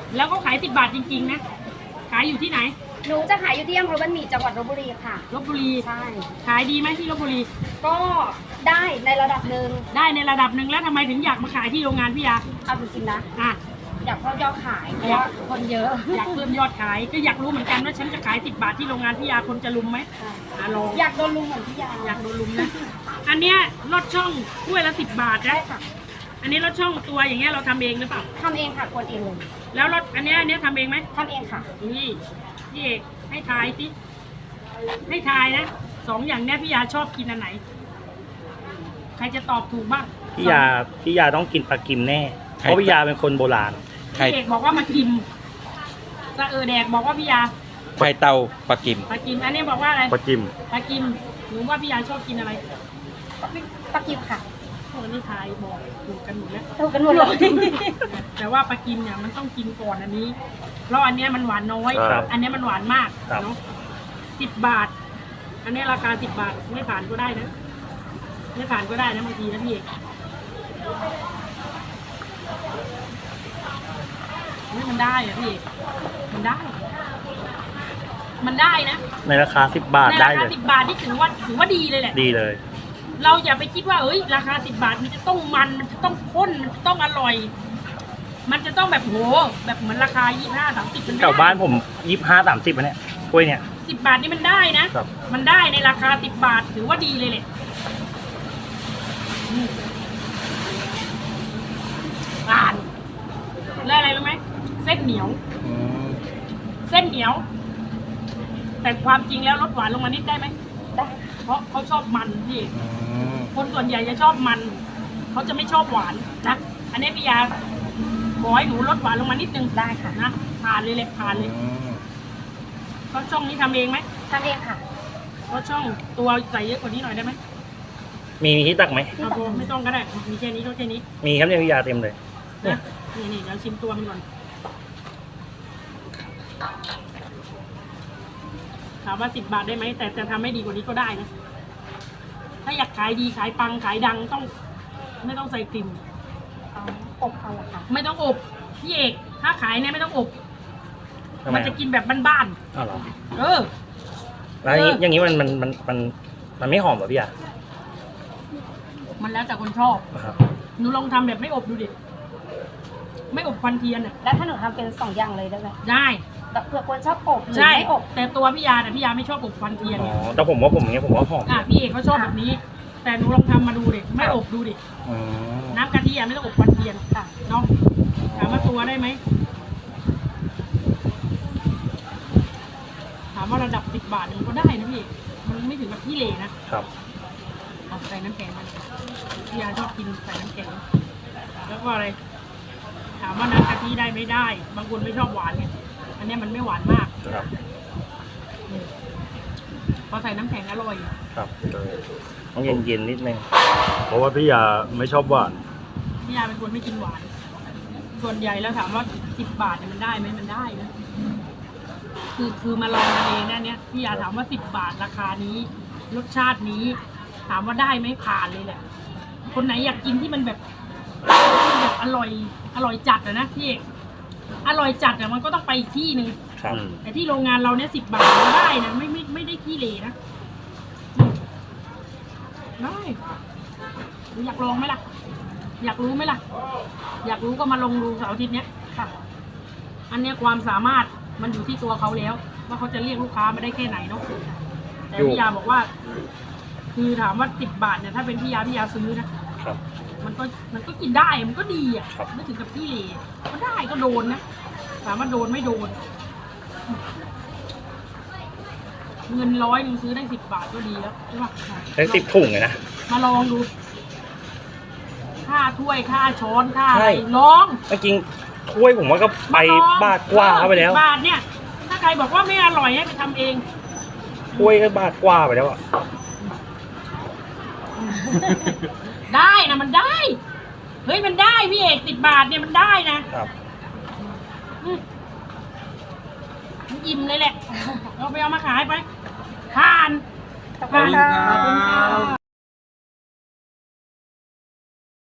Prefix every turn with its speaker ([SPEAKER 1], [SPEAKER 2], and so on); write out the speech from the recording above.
[SPEAKER 1] แล้วก็ขาย10 บาทจริงๆนะขายอยู่ที่ไหน
[SPEAKER 2] หนูจะขายอยู่ที่อำเภอบ้านหมี่จังหวัดลพบุรีค่ะ
[SPEAKER 1] ลพบุรี
[SPEAKER 2] ใช่
[SPEAKER 1] ขายดีไหมที่ลพบุรี
[SPEAKER 2] ก็ได้ในระดับหนึ่ง
[SPEAKER 1] ได้ในระดับหนึ่งแล้วทำไมถึงอยากมาขายที่โรงงานพี่ยา
[SPEAKER 2] เอาจริงๆนะอยากเพิ่มยอดขายเพราะว่าคนเยอะ
[SPEAKER 1] อยากเพิ่มยอดขายก็อยากรู้เหมือนกันว่าฉันจะขาย10 บาทที่โรงงานพี่ยาคนจะลุมไหมลอง
[SPEAKER 2] อยากโดนลุมเหมือนพี่ยา
[SPEAKER 1] อยากโดนลุมนะอันเนี้ยรสช่องถ้วยละ10 บาทนะอันนี้รสช่องตัวอย่างเงี้ยเราทำเองหรือเปล่า
[SPEAKER 2] ทำเองค่ะกวนเองเลย
[SPEAKER 1] แล้วรสอันเนี้ยทำเองไหม
[SPEAKER 2] ทำเองค่ะ
[SPEAKER 1] นี่พี่เอกให้ทายสิให้ทายนะ2 อย่างเนี้ยพี่ยาชอบกินอันไหนใครจะตอบถูกบ้าง
[SPEAKER 3] พี่ยาต้องกินปลากิมแน่เพราะพี่ยาเป็นคนโบราณ
[SPEAKER 1] พี่เอกบอกว่ามากิมสะแดกบอกว่าพี่ยา
[SPEAKER 4] ไข่เตาปลากิม
[SPEAKER 1] อันนี้บอกว่าอะไร
[SPEAKER 3] ปลากิม
[SPEAKER 1] หนูว่าพี่ยาชอบกินอะไร
[SPEAKER 2] ปลากิมค่ะ
[SPEAKER 1] คนที่ทายบอกถูกกันหมดแล้ว
[SPEAKER 2] ถูกกันหมดเลย
[SPEAKER 1] แต่ว่าปลากิมเนี่ยมันต้องกินก่อนอันนี้เพราะอันเนี้ยมันหวานน้อยอันเนี้ยมันหวานมากเนาะ10 บาทอันนี้ราคา10 บาทไม่ผ่านก็ได้นะไม่ผ่านก็ได้นะบางทีนะพี่เอกนี่มันได้อะพี่เอกมันได้นะ
[SPEAKER 3] ในราคา10 บาทได้เลย
[SPEAKER 1] ในราคา10 บาทนี่ถือว่าดีเลยแหละ
[SPEAKER 3] ดีเลย
[SPEAKER 1] เราอย่าไปคิดว่าราคา10 บาทมันจะต้องมันจะต้องข้นมันจะต้องอร่อยมันจะต้องแบบโหแบบเหมือนราคา25-30มัน
[SPEAKER 3] แถวบ้านผม25-30เนี่ยถ้วยเนี่ย
[SPEAKER 1] 10 บาทนี่มันได้นะมันได้ในราคา10 บาทถือว่าดีเลยแหละผ่านแล้วอะไรรู้ไหมเส้นเหนียวแต่ความจริงแล้วลดหวานลงมานิดได้ไหม
[SPEAKER 2] ได้
[SPEAKER 1] เพราะเขาชอบมันพี่คนส่วนใหญ่จะชอบมันเขาจะไม่ชอบหวานนะอันนี้พี่ยาขอให้หนูลดหวานลงมานิดนึง
[SPEAKER 2] ได้ค่ะ
[SPEAKER 1] นะผ่านเลยเขาช่องนี้ทำเองไหม
[SPEAKER 2] ทำเองค่ะ
[SPEAKER 1] เขาช่องตัวใส่เยอะกว่านี้หน่อยได้ไหม
[SPEAKER 3] มีที่ตักไหม
[SPEAKER 1] ไม่ต้องก็ได้มีแค่นี้ก็แค่นี้
[SPEAKER 3] มีครับเนี่ยพี่ยาเต็มเลย
[SPEAKER 1] นะนี่เดี๋ยวชิมตัวมันก่อนถามว่า10 บาทได้ไหมแต่จะทำให้ดีกว่านี้ก็ได้นะถ้าอยากขายดีขายปังขายดังต้องไม่ต้องใส่กลิ่น
[SPEAKER 2] อบเอาละค่ะ
[SPEAKER 1] ไม่ต้องอบพี่เอกถ้าขายเนี่ยไม่ต้องอบมันจะกินแบบบ้าน
[SPEAKER 3] ๆแล้วอย่างนี้มันไม่หอมหรอพี่ยา
[SPEAKER 1] มันแล้วแต่คนชอบหนูลองทำแบบไม่อบดูดิไม่อบควันเทียนอ่ะ
[SPEAKER 2] แล้วถ้าหนูทำเป็น2 อย่างเลยได้ไหม
[SPEAKER 1] ได้
[SPEAKER 2] แบบเผื่อคนชอบอบหรือไม่อบ
[SPEAKER 1] แต่ตัวพี่ยาพี่ยาไม่ชอบอบควันเทียน
[SPEAKER 3] แต่ผมว่าอย่างเงี้ยผมว่าหอม
[SPEAKER 1] พี่เอกเขาชอบแบบนี้แต่หนูลองทำมาดูดิไม่อบดูดิน้ำกะทิไม่ต้องอบควันเทียนเนาะถามว่าตัวได้ไหมถามว่าระดับ10 บาทมันก็ได้นะพี่มันไม่ถึงกับที่เหร่นะครับเอาใส่น้ำแข็งมันพี่ยาชอบกินใส่น้ำแข็งแล้วก็อะไรถามว่าน้ำกะทิได้ไม่ได้บางคนไม่ชอบหวานเนี่ยอันนี้มันไม่หวานมากพอใส่น้ำแข็งอร่อย
[SPEAKER 3] ครับต้องเย็นนิดนึง
[SPEAKER 5] เพราะว่าพี่ยาไม่ชอบหวาน
[SPEAKER 1] พี่ยาเป็นคนไม่กินหวานส่วนใหญ่แล้วถามว่า10 บาทเนี่ยมันได้ไหมมันได้นะคือมาลองเองนะเนี่ยพี่ยาถามว่า10 บาทราคานี้รสชาตินี้ถามว่าได้ไหมผ่านเลยแหละคนไหนอยากกินที่มันแบบอร่อยจัดนะพี่อร่อยจัดมันก็ต้องไปอีกที่หนึ่งแต่ที่โรงงานเราเนี่ย10 บาทก็ได้นะไม่ได้ขี้เหร่นะได้อยากลองไหมล่ะอยากรู้ไหมล่ะอยากรู้ก็มาลองดูเสาร์อาทิตย์เนี้ยค่ะอันเนี้ยความสามารถมันอยู่ที่ตัวเขาแล้วว่าเขาจะเรียกลูกค้ามาได้แค่ไหนเนาะแต่พี่ยาบอกว่าคือถามว่า10 บาทเนี่ยถ้าเป็นพี่ยาซื้อนะมันก็กินได้มันก็ดีไม่ถึงกับที่เหร่ก็ได้ก็โดนนะถามว่าโดนไม่โดนเงิน100นึงซื้อได้10 บาทก็ดีแล้วใช่ปะ
[SPEAKER 3] ได้10 ถุงเลยนะ
[SPEAKER 1] มาลองดูค่าถ้วยค่าช้อนค่าอะไรลอง
[SPEAKER 3] จริงถ้วยผมว่าก็ไปบาทกว่าเข้าไปแล้ว
[SPEAKER 1] 10 บาทเนี่ยถ้าใครบอกว่าไม่อร่อยให้ไปทำเอง
[SPEAKER 3] ถ้วยก็บาทกว่าไปแล้ว
[SPEAKER 1] ได้นะมันได้เฮ้ยมันได้พี่เอก10 บาทเนี่ยมันได้นะครับมันอิ่มเลยแหละเราไปเอามาขายไปทาน